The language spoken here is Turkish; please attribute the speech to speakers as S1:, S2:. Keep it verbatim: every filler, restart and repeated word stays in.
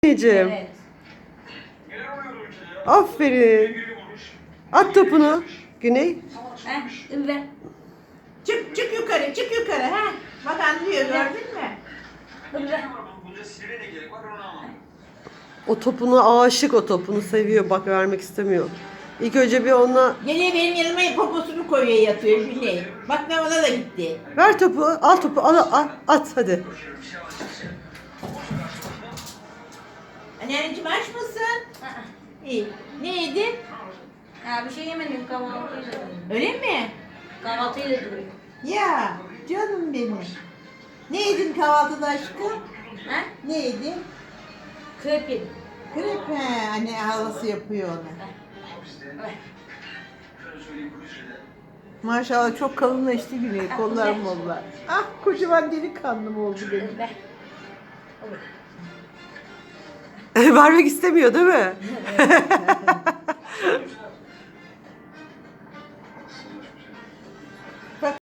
S1: Anneciğim.
S2: Evet.
S1: Aferin. At topunu. Güney.
S2: Heh, ver.
S3: Çık çık yukarı çık yukarı ha. Bak anlıyor gördün mü?
S2: Ver.
S1: O topunu aşık, o topunu seviyor. Bak, vermek istemiyor. İlk önce bir ona
S3: Geliyor benim yanıma poposunu koyuyor yatıyor Güney. Bak ne ona da gitti.
S1: ver topu. Al topu. Al, al at hadi.
S3: Anneciğim aç mısın?
S2: Aa,
S3: İyi. Ne yedin?
S2: Ya bir şey yemedim, kahvaltıyla duruyor.
S3: Öyle mi?
S2: Kahvaltıyla duruyor.
S3: Ya canım benim. Ne yedin kahvaltıda aşkım?
S2: Ha?
S3: Ne yedin?
S2: Krep yedim.
S3: Krep he. Anne halası yapıyor onu.
S2: Ver.
S3: Maşallah çok kalınlaştı Güney. Kollar mollar. Ah kocaman delikanlım oldu benim.
S2: Ver. Olur.
S1: Vermek istemiyor değil mi?